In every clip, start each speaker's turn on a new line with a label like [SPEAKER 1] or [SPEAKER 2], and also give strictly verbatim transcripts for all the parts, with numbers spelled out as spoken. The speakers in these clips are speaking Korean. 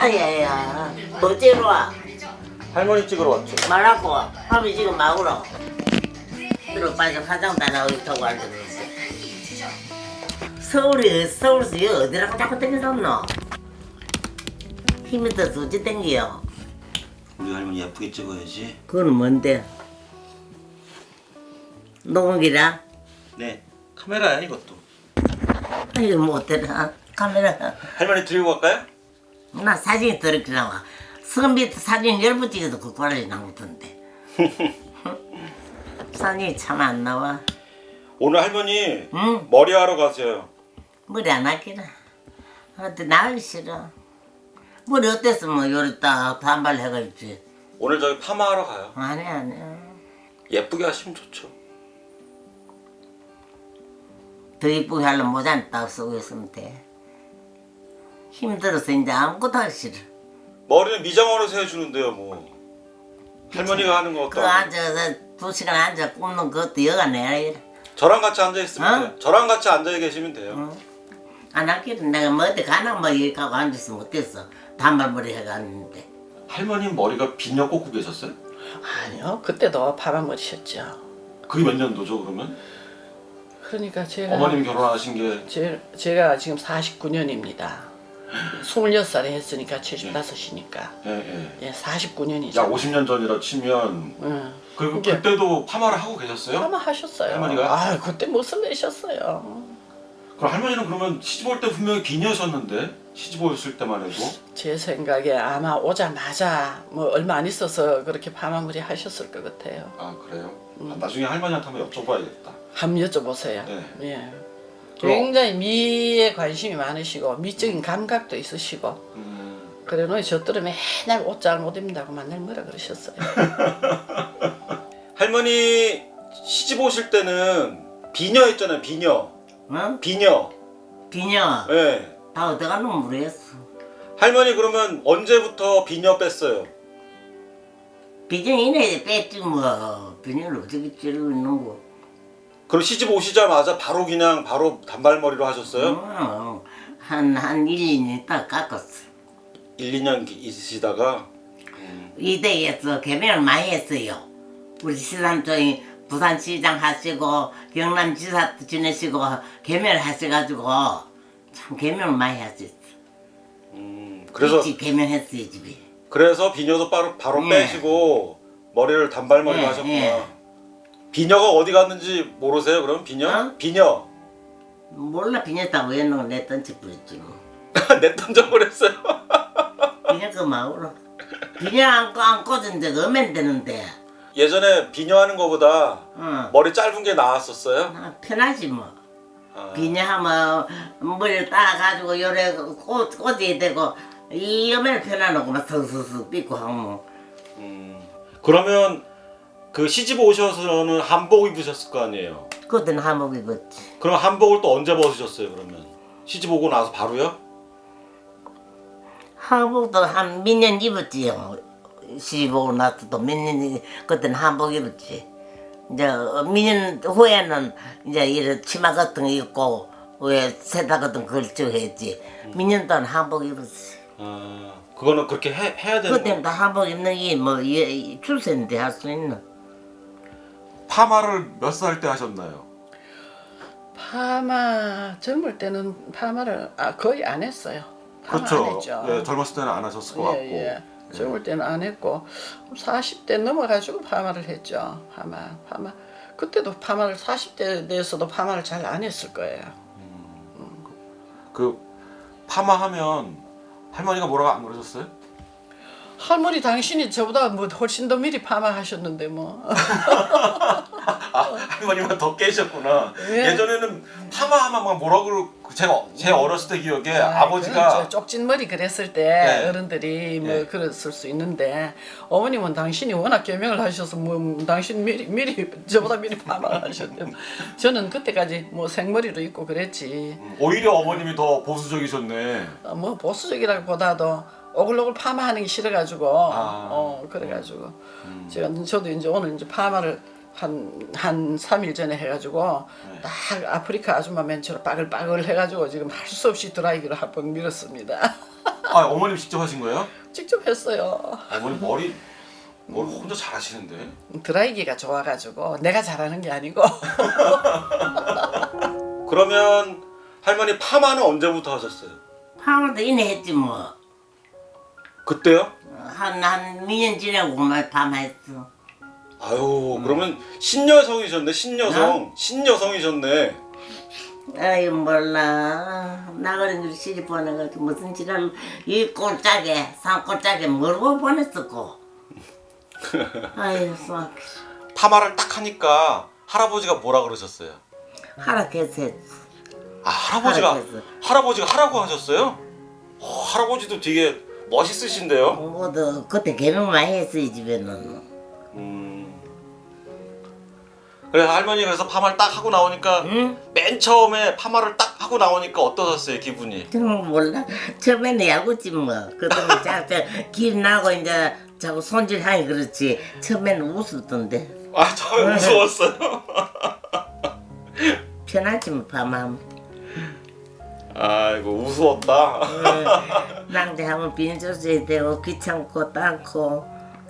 [SPEAKER 1] 아야야, 어째로 와?
[SPEAKER 2] 할머니 찍으러 왔죠.
[SPEAKER 1] 말하고 밥이 지금 마구로 들어 빠져 화장 다 나오고 타고 앉았는데 서울이 서울서 여기 어디라고 자꾸 땡겨졌노? 힘이 더 수지 땡겨.
[SPEAKER 2] 우리 할머니 예쁘게 찍어야지.
[SPEAKER 1] 그건 뭔데? 녹음기라?
[SPEAKER 2] 네, 카메라야 이것도.
[SPEAKER 1] 아이고 못되나 카메라.
[SPEAKER 2] 할머니 들고 갈까요?
[SPEAKER 1] 나 사진이 더럽게 나와. 선비 사진 열 번 찍어도 그 꼴이 나오던데. 사진이 참 안 나와.
[SPEAKER 2] 오늘 할머니
[SPEAKER 1] 응?
[SPEAKER 2] 머리 하러 가세요.
[SPEAKER 1] 머리 안 하기라. 어때 나가기 싫어. 머리 어땠어 뭐 요리 딱 단발 해가지고.
[SPEAKER 2] 오늘 저기 파마하러 가요.
[SPEAKER 1] 아니 아니.
[SPEAKER 2] 예쁘게 하시면 좋죠.
[SPEAKER 1] 더 이쁘게 하려면 모자는 딱 쓰고 있으면 돼. 힘들어서 이제 아무것도 하기 싫어.
[SPEAKER 2] 머리는 미장원에서 해주는데요 뭐. 할머니가 하는 거
[SPEAKER 1] 그
[SPEAKER 2] 같다.
[SPEAKER 1] 앉아서 두 시간 앉아 굽는 것도 여가 내야 이래.
[SPEAKER 2] 저랑 같이 앉아 있으면
[SPEAKER 1] 어?
[SPEAKER 2] 돼요. 저랑 같이 앉아 계시면 돼요.
[SPEAKER 1] 응. 안 하기는 내가 뭐 어디 가나 뭐 이렇게 하고 앉았으면 어땠어. 단발머리 해가 앉는데.
[SPEAKER 2] 할머니 머리가 비녀 꽂고 계셨어요?
[SPEAKER 3] 아니요, 그때도 파마머리셨죠.
[SPEAKER 2] 그게 몇 년도죠 그러면?
[SPEAKER 3] 그러니까 제가
[SPEAKER 2] 어머님 결혼하신 게
[SPEAKER 3] 제, 제가 지금 사십구 년입니다. 스물여섯 살에 했으니까 칠십오이니까
[SPEAKER 2] 예, 예.
[SPEAKER 3] 예, 사십구 년이죠.
[SPEAKER 2] 약 오십 년 전이라 치면
[SPEAKER 3] 응.
[SPEAKER 2] 그리고
[SPEAKER 3] 이게-
[SPEAKER 2] 그때도 파마를 하고 계셨어요?
[SPEAKER 3] 파마 하셨어요.
[SPEAKER 2] 할머니가?
[SPEAKER 3] 아, 그때 무슨 내셨어요.
[SPEAKER 2] 그럼 할머니는 그러면 시집 올 때 분명히 비녀셨는데 시집 오셨을 때만 해도
[SPEAKER 3] 제 생각에 아마 오자마자 뭐 얼마 안 있어서 그렇게 파마머리 하셨을 것 같아요.
[SPEAKER 2] 아 그래요? 아, 나중에 할머니한테 한번 여쭤봐야겠다.
[SPEAKER 3] 한번 여쭤보세요.
[SPEAKER 2] 네.
[SPEAKER 3] 예. 굉장히 미에 관심이 많으시고 미적인 감각도 있으시고
[SPEAKER 2] 음,
[SPEAKER 3] 그래 놓이 저들은 맨날 옷 잘 못 입는다고 맨날 뭐라 그러셨어요.
[SPEAKER 2] 할머니 시집 오실 때는 비녀였잖아요 비녀
[SPEAKER 1] 응?
[SPEAKER 2] 비녀
[SPEAKER 1] 비녀.
[SPEAKER 2] 예.
[SPEAKER 1] 다 어디 가는 모르겠어.
[SPEAKER 2] 할머니 그러면 언제부터 비녀 뺐어요?
[SPEAKER 1] 비녀 이내 뺐지 뭐. 비녀를 어떻게 찌르고 있는 거.
[SPEAKER 2] 그럼 시집 오시자마자 바로 그냥 바로 단발머리로 하셨어요?
[SPEAKER 1] 응. 한, 한 일, 이 년 있다 깎았어.
[SPEAKER 2] 일, 이 년 있으시다가
[SPEAKER 1] 이대에서 개명을 많이 했어요. 우리 시삼촌이 부산시장 하시고 경남지사 지내시고 개명을 하셔가지고 참 개명을 많이 하셨어.
[SPEAKER 2] 음, 그래서
[SPEAKER 1] 일찍 개명했어요 집에.
[SPEAKER 2] 그래서 비녀도 바로 바로
[SPEAKER 1] 네.
[SPEAKER 2] 빼시고 머리를 단발머리로
[SPEAKER 1] 네,
[SPEAKER 2] 하셨구나.
[SPEAKER 1] 네.
[SPEAKER 2] 비녀가 어디 갔는지 모르세요? 그럼 비녀?
[SPEAKER 1] 어?
[SPEAKER 2] 비녀
[SPEAKER 1] 몰라 비녔다고 했는 내 던지 뿌렸지 뭐.
[SPEAKER 2] 내 던져버렸어요.
[SPEAKER 1] 비녀 그 마으로. 비녀 안고 안 꽂은 적 없면 되는데.
[SPEAKER 2] 예전에 비녀 하는 거보다
[SPEAKER 1] 어.
[SPEAKER 2] 머리 짧은 게 나았었어요?
[SPEAKER 1] 아, 편하지 뭐.
[SPEAKER 2] 아,
[SPEAKER 1] 비녀하면 머리를 따가지고 요래 꽂, 꽂아야 되고 이 여면 편안하고 막 서서서 삐고 하고.
[SPEAKER 2] 음, 그러면 그 시집 오셔서는 한복 입으셨을 거 아니에요?
[SPEAKER 1] 그때는 한복 입었지.
[SPEAKER 2] 그럼 한복을 또 언제 벗으셨어요 그러면? 시집 오고 나서 바로요?
[SPEAKER 1] 한복도 한 몇 년 입었지요. 시집 오고 나서도 몇 년, 그때는 한복 입었지. 이제 몇 년 후에는 이제 이런 치마 같은 거 입고 왜 세탁 같은 거 걸쳐 했지. 몇 년 동안 한복 입었지.
[SPEAKER 2] 아, 그거는 그렇게 해, 해야 되는
[SPEAKER 1] 그때는
[SPEAKER 2] 거.
[SPEAKER 1] 다 한복 입는 게 뭐 출세인데 할 수 있나?
[SPEAKER 2] 파마를 몇 살 때 하셨나요?
[SPEAKER 3] 파마 젊을 때는 파마를 아, 거의 안 했어요. 파마 안 했죠.
[SPEAKER 2] 예, 젊었을 때는 안 하셨을 것 같고.
[SPEAKER 3] 예, 예. 젊을 때는 안 했고 사십 대 넘어가지고 파마를 했죠. 파마, 파마. 그때도 파마를 사십 대 돼서도 파마를 잘 안 했을 거예요.
[SPEAKER 2] 그 파마하면 할머니가 뭐라고 안 그러셨어요?
[SPEAKER 3] 할머니 당신이 저보다 뭐 훨씬 더 미리 파마하셨는데 뭐.
[SPEAKER 2] 아, 할머니만 더 깨셨구나.
[SPEAKER 3] 예.
[SPEAKER 2] 예전에는 파마하면 막 뭐라 그러 제가 제 어렸을 때 기억에
[SPEAKER 3] 아,
[SPEAKER 2] 아, 버지가
[SPEAKER 3] 그건 저 쪽진 머리 그랬을 때
[SPEAKER 2] 네.
[SPEAKER 3] 어른들이 뭐
[SPEAKER 2] 네.
[SPEAKER 3] 그랬을 수 있는데 어머님은 당신이 워낙 개명을 하셔서 뭐 당신 미리 미리 저보다 미리 파마를 하셨대. 저는 그때까지 뭐 생머리로 있고 그랬지.
[SPEAKER 2] 오히려 어머님이 더 보수적이셨네.
[SPEAKER 3] 어, 뭐 보수적이라기보다도 오글오글 파마하는 게 싫어가지고
[SPEAKER 2] 아.
[SPEAKER 3] 어 그래가지고
[SPEAKER 2] 음.
[SPEAKER 3] 제가 저도 이제 오늘 이제 파마를 한한 삼 일 전에 해가지고
[SPEAKER 2] 네.
[SPEAKER 3] 딱 아프리카 아줌마 맨처럼 빠글빠글 해가지고 지금 할 수 없이 드라이기로 한 번 밀었습니다.
[SPEAKER 2] 아 어머님 직접 하신 거예요?
[SPEAKER 3] 직접 했어요.
[SPEAKER 2] 어머님 머리 머리 혼자 잘하시는데.
[SPEAKER 3] 드라이기가 좋아가지고 내가 잘하는 게 아니고.
[SPEAKER 2] 그러면 할머니 파마는 언제부터 하셨어요?
[SPEAKER 1] 파마도 이내 했지 뭐.
[SPEAKER 2] 그때요?
[SPEAKER 1] 한한 몇 년 지나고 말 파마했어.
[SPEAKER 2] 아유 그러면 신여성이셨네 신여성 신여성이셨네.
[SPEAKER 1] 아이 몰라. 나가는 길 시집 보내가지고 무슨 지랄 이 꼴짝에 산 꼴짝에 모르고 보냈었고. 아이 수학.
[SPEAKER 2] 파마를 딱 하니까 할아버지가 뭐라 그러셨어요?
[SPEAKER 1] 하락해서 했어.
[SPEAKER 2] 아 할아버지가
[SPEAKER 1] 하락했어.
[SPEAKER 2] 할아버지가 하라고 하셨어요? 어, 할아버지도 되게 멋있으신데요?
[SPEAKER 1] 뭐도 그때 개명 많이 했어 이 집에는.
[SPEAKER 2] 음. 그래 할머니 그래서 파마를 딱 하고 나오니까
[SPEAKER 1] 응?
[SPEAKER 2] 맨 처음에 파마를 딱 하고 나오니까 어떠셨어요 기분이?
[SPEAKER 1] 정말 몰라. 처음에는 야구지 뭐. 그다음에 자꾸 길 나고 이제 자꾸 손질하니 그렇지. 처음에는 웃었던데.
[SPEAKER 2] 아 처음에 무서웠어요.
[SPEAKER 1] 편하지 뭐 파마하면.
[SPEAKER 2] 아이고 우스웠다.
[SPEAKER 1] 낭대하면 빈조져야 되고 귀찮고 땅고.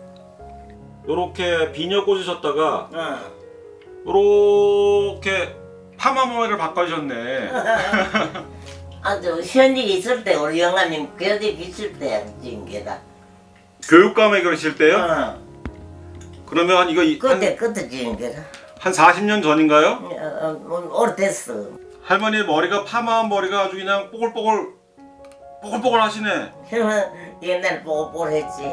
[SPEAKER 2] 요렇게 비녀 꽂으셨다가
[SPEAKER 1] 어.
[SPEAKER 2] 요렇게 파마 머리를 바꿔주셨네.
[SPEAKER 1] 아주 현직이 있을 때 우리 영아님 교직 있을 때 찍은 게다.
[SPEAKER 2] 교육감에 그러실 때요?
[SPEAKER 1] 어.
[SPEAKER 2] 그러면 이거 이- 한,
[SPEAKER 1] 그때 그때 찍은 게다.
[SPEAKER 2] 한 사십 년 전인가요?
[SPEAKER 1] 어, 어, 뭐, 오래됐어.
[SPEAKER 2] 할머니 머리가 파마한 머리가 아주 그냥 뽀글뽀글 뽀글뽀글 하시네.
[SPEAKER 1] 옛날 뽀글뽀글했지.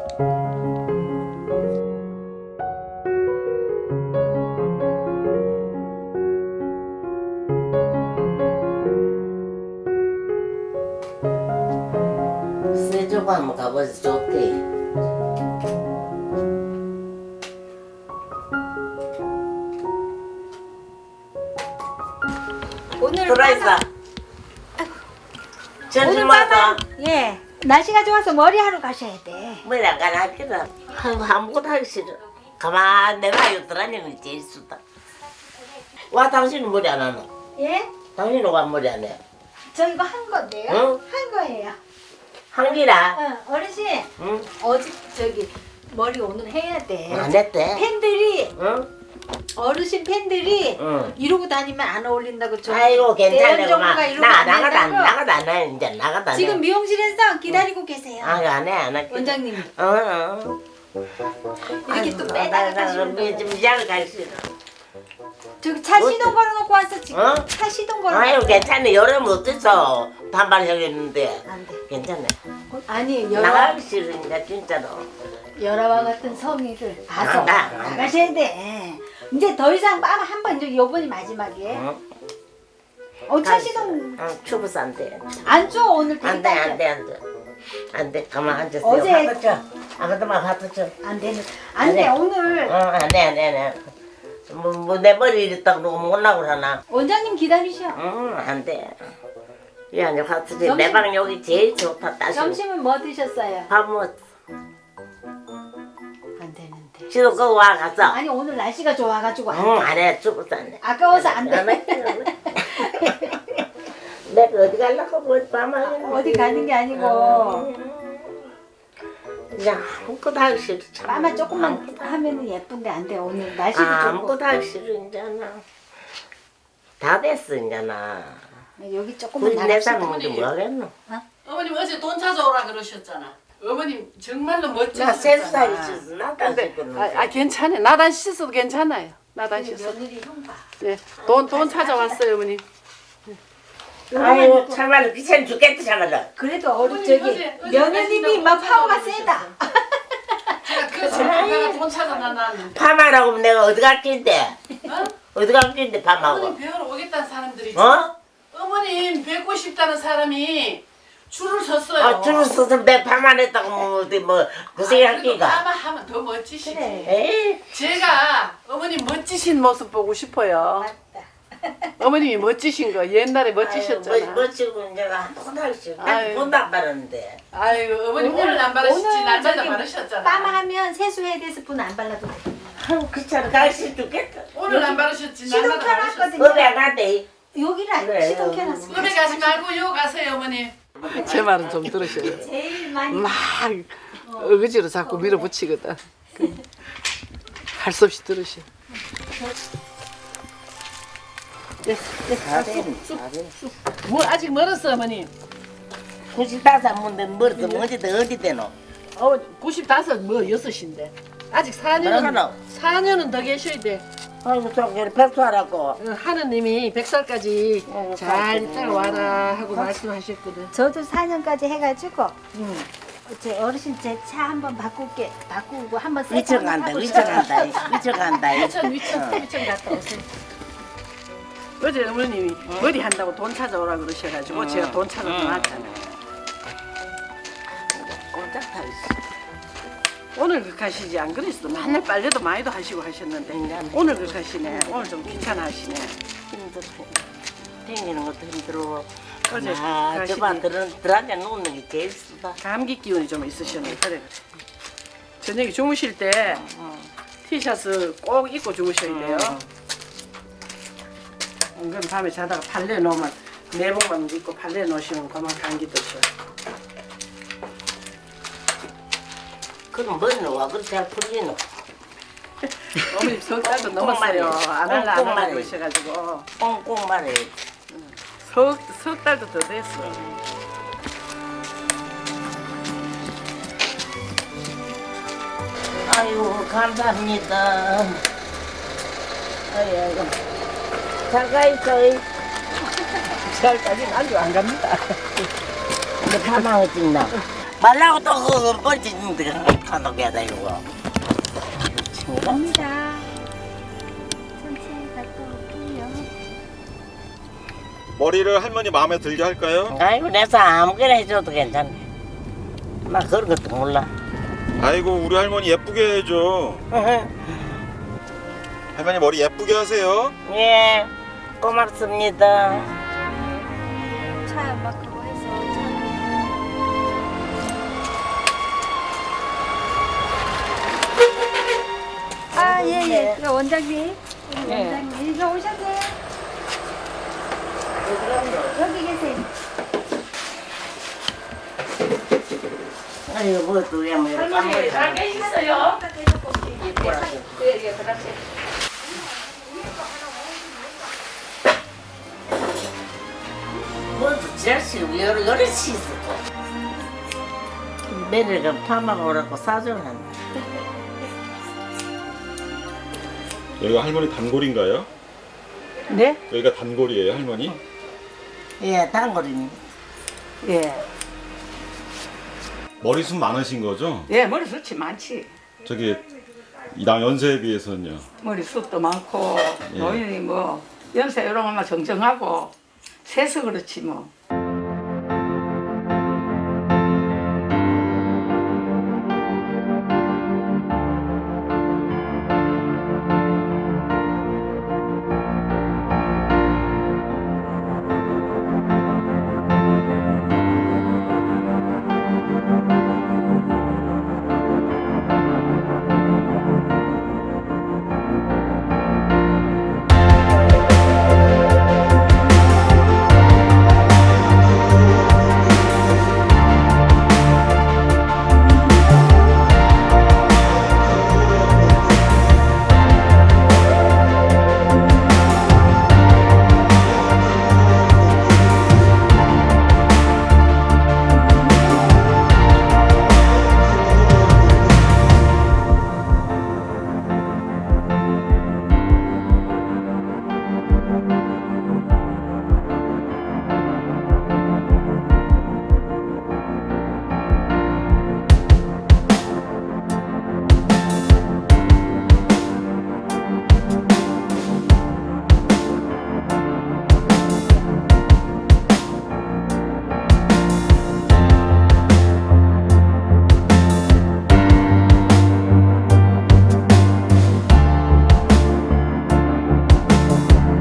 [SPEAKER 1] 세조가 한번 가보자 좋대.
[SPEAKER 4] 오늘
[SPEAKER 1] 들어있어.
[SPEAKER 4] 파마-
[SPEAKER 1] 점심
[SPEAKER 4] 오늘
[SPEAKER 1] 먹어.
[SPEAKER 4] 파마 예 날씨가 좋아서 머리 하러 가셔야 돼.
[SPEAKER 1] 뭐 약간 하기라. 아무것도 하기 싫어. 가만 내가 여드라니는 제일 수다. 와 당신은 머리 안 하나?
[SPEAKER 4] 예?
[SPEAKER 1] 당신은 와 머리 안 해?
[SPEAKER 4] 저 이거 한 건데요.
[SPEAKER 1] 응?
[SPEAKER 4] 한 거예요.
[SPEAKER 1] 한기라.
[SPEAKER 4] 어, 어르신
[SPEAKER 1] 응?
[SPEAKER 4] 어제 저기 머리 오늘 해야 돼.
[SPEAKER 1] 안 했대.
[SPEAKER 4] 팬들이
[SPEAKER 1] 응?
[SPEAKER 4] 어르신 팬들이
[SPEAKER 1] 응.
[SPEAKER 4] 이러고 다니면 안 어울린다고 저
[SPEAKER 1] 아이고
[SPEAKER 4] 대연
[SPEAKER 1] 괜찮네
[SPEAKER 4] 정부가
[SPEAKER 1] 그만.
[SPEAKER 4] 이러고
[SPEAKER 1] 나
[SPEAKER 4] 안
[SPEAKER 1] 나가다 안
[SPEAKER 4] 된다고.
[SPEAKER 1] 나가다 안 해. 이제 나가다 안 해.
[SPEAKER 4] 지금 미용실에서 기다리고 계세요.
[SPEAKER 1] 아 안해 안 해.
[SPEAKER 4] 원장님이
[SPEAKER 1] 어 어.
[SPEAKER 4] 이렇게 또 빼다가 가시는 거.
[SPEAKER 1] 좀 이장을 갈 수 있어.
[SPEAKER 4] 저기 차 시동 걸어놓고 왔어 지금.
[SPEAKER 1] 어?
[SPEAKER 4] 차 시동 걸어.
[SPEAKER 1] 아유 괜찮네. 여름 어땠어? 반발하겠는데.
[SPEAKER 4] 안 돼.
[SPEAKER 1] 괜찮네.
[SPEAKER 4] 아니 여러
[SPEAKER 1] 나가기 싫으니까 진짜로.
[SPEAKER 4] 여러와 같은 성의를 봐서
[SPEAKER 1] 나, 나, 나.
[SPEAKER 4] 나가셔야 돼. 이제 더 이상 빠마 한번 이제 요번이 마지막이에요.
[SPEAKER 1] 응?
[SPEAKER 4] 어, 차 시동
[SPEAKER 1] 응, 추워서 안 돼.
[SPEAKER 4] 안 줘. 오늘 되게
[SPEAKER 1] 안 돼,
[SPEAKER 4] 따뜻해.
[SPEAKER 1] 안 돼, 안 돼. 안 돼, 가만 앉았어.
[SPEAKER 4] 어제-
[SPEAKER 1] 갖다 줘. 아무도만 갖다 줘.
[SPEAKER 4] 안 되는. 안 돼.
[SPEAKER 1] 안 돼.
[SPEAKER 4] 오늘
[SPEAKER 1] 응, 안 돼, 안 돼, 안 돼. 뭐, 뭐, 내 머리 이랬다 그러고 못나고 그러나.
[SPEAKER 4] 원장님 기다리셔.
[SPEAKER 1] 응, 안 돼. 이 안에 갖다 줘.
[SPEAKER 4] 점심-
[SPEAKER 1] 내 방 여기 제일 좋다, 따시.
[SPEAKER 4] 점심은 뭐 드셨어요?
[SPEAKER 1] 밥 먹었어.
[SPEAKER 4] 안 되는데.
[SPEAKER 1] 지금 그거 와, 갔어.
[SPEAKER 4] 아니 오늘 날씨가 좋아가지고 안
[SPEAKER 1] 응,
[SPEAKER 4] 돼.
[SPEAKER 1] 안 해. 죽어서 안 돼.
[SPEAKER 4] 아까워서 안 돼.
[SPEAKER 1] 안 해. 내가 어디 가려고 뭐 밤하겠는데.
[SPEAKER 4] 어디 가는 게 아니고
[SPEAKER 1] 그냥 아무것도 하기 싫어. 참.
[SPEAKER 4] 빠마 조금만
[SPEAKER 1] 아무것도
[SPEAKER 4] 하면은 예쁜데 안 돼. 오늘 날씨도
[SPEAKER 1] 아,
[SPEAKER 4] 좋고
[SPEAKER 1] 아무것도 하기 싫어 이제나. 다 됐어 이제나.
[SPEAKER 4] 여기 조금만
[SPEAKER 1] 굳이 내
[SPEAKER 4] 나갑시다.
[SPEAKER 1] 삶은 뭐 하겠노?
[SPEAKER 3] 어머님 어제 돈 찾아오라 그러셨잖아. 어머님 정말로
[SPEAKER 1] 나
[SPEAKER 3] 멋지셨잖아.
[SPEAKER 1] 세살 있어서 나도 안 씻거든.
[SPEAKER 3] 아, 아 괜찮아요. 나단 씻어도 괜찮아요. 나단
[SPEAKER 4] 우리
[SPEAKER 3] 씻어.
[SPEAKER 4] 며느리 형 봐.
[SPEAKER 3] 네. 돈 돈 찾아왔어요, 어머님.
[SPEAKER 1] 아이고 참말로 귀찮 죽겠다 참말로.
[SPEAKER 4] 그래도 어리
[SPEAKER 3] 어머니,
[SPEAKER 4] 저기
[SPEAKER 3] 어제- 어제
[SPEAKER 4] 며느님이
[SPEAKER 3] 날씨가
[SPEAKER 4] 막 파워가
[SPEAKER 3] 돈
[SPEAKER 4] 세다.
[SPEAKER 3] 제가 그 전문가가 돈 찾아놨는데.
[SPEAKER 1] 파마라고 하면 내가 어디 갈 긴데?
[SPEAKER 3] 어?
[SPEAKER 1] 어디 갈 긴데 파마하고?
[SPEAKER 3] 어머님 배우러 오겠다는 사람들이.
[SPEAKER 1] 어?
[SPEAKER 3] 어머님 뵙고 싶다는 사람이 줄을 섰어요.
[SPEAKER 1] 아 줄을 서서 내 파마했다고 뭐 어디 뭐 고생할
[SPEAKER 3] 그래도
[SPEAKER 1] 기가.
[SPEAKER 3] 파마하면 더 멋지시지.
[SPEAKER 4] 그래.
[SPEAKER 1] 에이
[SPEAKER 3] 제가 어머님 멋지신 모습 보고 싶어요.
[SPEAKER 4] 맞다.
[SPEAKER 3] 어머님이 멋지신 거 옛날에 멋지셨잖아.
[SPEAKER 1] 아유, 뭐, 멋지고 내가 아무것도 하기 싫어.
[SPEAKER 3] 아유.
[SPEAKER 1] 난 돈도 안 받았는데.
[SPEAKER 3] 아이고 어머님 오늘, 안 바르시지 날마다
[SPEAKER 4] 저기
[SPEAKER 3] 바르셨잖아.
[SPEAKER 4] 빠마하면 세수해야 돼서 분 안 발라도 돼.
[SPEAKER 1] 아유 귀찮아 가기 싫어 죽겠다.
[SPEAKER 3] 오늘 안 바르셨지
[SPEAKER 4] 시동
[SPEAKER 3] 날마다 바르셨어.
[SPEAKER 4] 켜놨거든요.
[SPEAKER 1] 법에 안 간대.
[SPEAKER 4] 여기를 안
[SPEAKER 1] 그래,
[SPEAKER 4] 시동
[SPEAKER 1] 음.
[SPEAKER 4] 켜놨어.
[SPEAKER 3] 꿈에 가지 말고 요 가세요 어머님. 제 말은 좀 들으셔요.
[SPEAKER 4] 제일 많이
[SPEAKER 3] 막 어거지로 자꾸 밀어붙이거든. 할 수 없이 들으셔.
[SPEAKER 1] 다 돼, 다 돼.
[SPEAKER 3] 뭐 아직 멀었어 어머니.
[SPEAKER 1] 구십다섯 문데 멀어서 어디 더 어디 되노?
[SPEAKER 3] 어 구십다섯 뭐 여섯인데 아직 사
[SPEAKER 1] 그러나.
[SPEAKER 3] 년은 사 년은 더 계셔야 돼.
[SPEAKER 1] 아이고 저기 백수하라고.
[SPEAKER 3] 어, 하느님이 백 살까지
[SPEAKER 1] 어,
[SPEAKER 3] 잘
[SPEAKER 1] 살고.
[SPEAKER 3] 따라와라 하고 말씀하셨거든.
[SPEAKER 4] 저도 사 년까지 해가지고
[SPEAKER 3] 응.
[SPEAKER 4] 제 어르신 제 차 한번 바꿀게 바꾸고 한번 새
[SPEAKER 1] 위쳐
[SPEAKER 4] 차
[SPEAKER 1] 간다,
[SPEAKER 4] 한번
[SPEAKER 1] 위쳐
[SPEAKER 4] 타보자.
[SPEAKER 1] 간다, 위쳐 간다.
[SPEAKER 3] 위천 위천 위천 갔다 오세요. 어제 어머님이 머리 한다고 돈 찾아오라 그러셔가지고 제가 돈 찾아서 나왔잖아요.
[SPEAKER 1] 꼼짝 타 있어.
[SPEAKER 3] 오늘 그 가시지 안 그랬어. 맨날 빨래도 많이도 하시고 하셨는데 오늘 그 가시네. 오늘 좀 귀찮아 하시네.
[SPEAKER 1] 힘들어. 댕기는 것도 힘들어.
[SPEAKER 3] 어제
[SPEAKER 1] 아,
[SPEAKER 3] 가시지.
[SPEAKER 1] 저봐 들은 들한테 놓는 게 제일 쓰다.
[SPEAKER 3] 감기 기운이 좀 있으셨네. 그래 그래. 저녁에 주무실 때 티셔츠 꼭 입고 주무셔야 돼요. 그럼 밤에 자다가 발레 놓으면 내복만 입고 발레 놓으시면 그만 감기 드셔.
[SPEAKER 1] 그럼 뭔 와? 그렇게 잘 풀리노?
[SPEAKER 3] 어머니 석 달도
[SPEAKER 1] 꽁꽁
[SPEAKER 3] 넘었어요.
[SPEAKER 1] 말이에요.
[SPEAKER 3] 안 할라 안
[SPEAKER 1] 꽁꽁
[SPEAKER 3] 할라
[SPEAKER 1] 말이에요.
[SPEAKER 3] 그러셔가지고
[SPEAKER 1] 꽁꽁 말해.
[SPEAKER 3] 석, 석 달도 더 됐어.
[SPEAKER 1] 아이고 감사합니다. 아이고 잘가 있어.
[SPEAKER 3] 잘까지는 아주 안 갑니다.
[SPEAKER 1] 근데 파망을 찍나? 말라고 또 그거 뻘짓는데 간독해야다 이거.
[SPEAKER 4] 갑니다. 천천히 갔다 올게요.
[SPEAKER 2] 머리를 할머니 마음에 들게 할까요?
[SPEAKER 1] 아이고 내서 아무거나 해줘도 괜찮네. 나 그런 것도 몰라.
[SPEAKER 2] 아이고 우리 할머니 예쁘게 해줘. 할머니 머리 예쁘게 하세요.
[SPEAKER 1] 예, 고맙습니다.
[SPEAKER 4] 차 막 그거 해서 차. 아, 예, 예. 그 원장님. 우리
[SPEAKER 3] 예.
[SPEAKER 4] 원장님. 이거 오셨네. 여기 계세요.
[SPEAKER 1] 아이고 뭐또 왜 뭐 이렇게
[SPEAKER 3] 할머니 잘 계셨어요?
[SPEAKER 1] 뭐또 제시 여러 여러 시 있었고. 매일가 파마가 오라고 사주는.
[SPEAKER 2] 여기가 할머니 단골인가요?
[SPEAKER 3] 네?
[SPEAKER 2] 여기가 단골이에요 할머니?
[SPEAKER 1] 예, 단골입니다.
[SPEAKER 3] 예.
[SPEAKER 2] 머리숱 많으신 거죠?
[SPEAKER 5] 예, 머리숱이 많지.
[SPEAKER 2] 저기 나 연세에 비해서는요.
[SPEAKER 5] 머리숱도 많고
[SPEAKER 2] 예.
[SPEAKER 5] 노인이 뭐 연세 이런 것만 정정하고 세서 그렇지 뭐.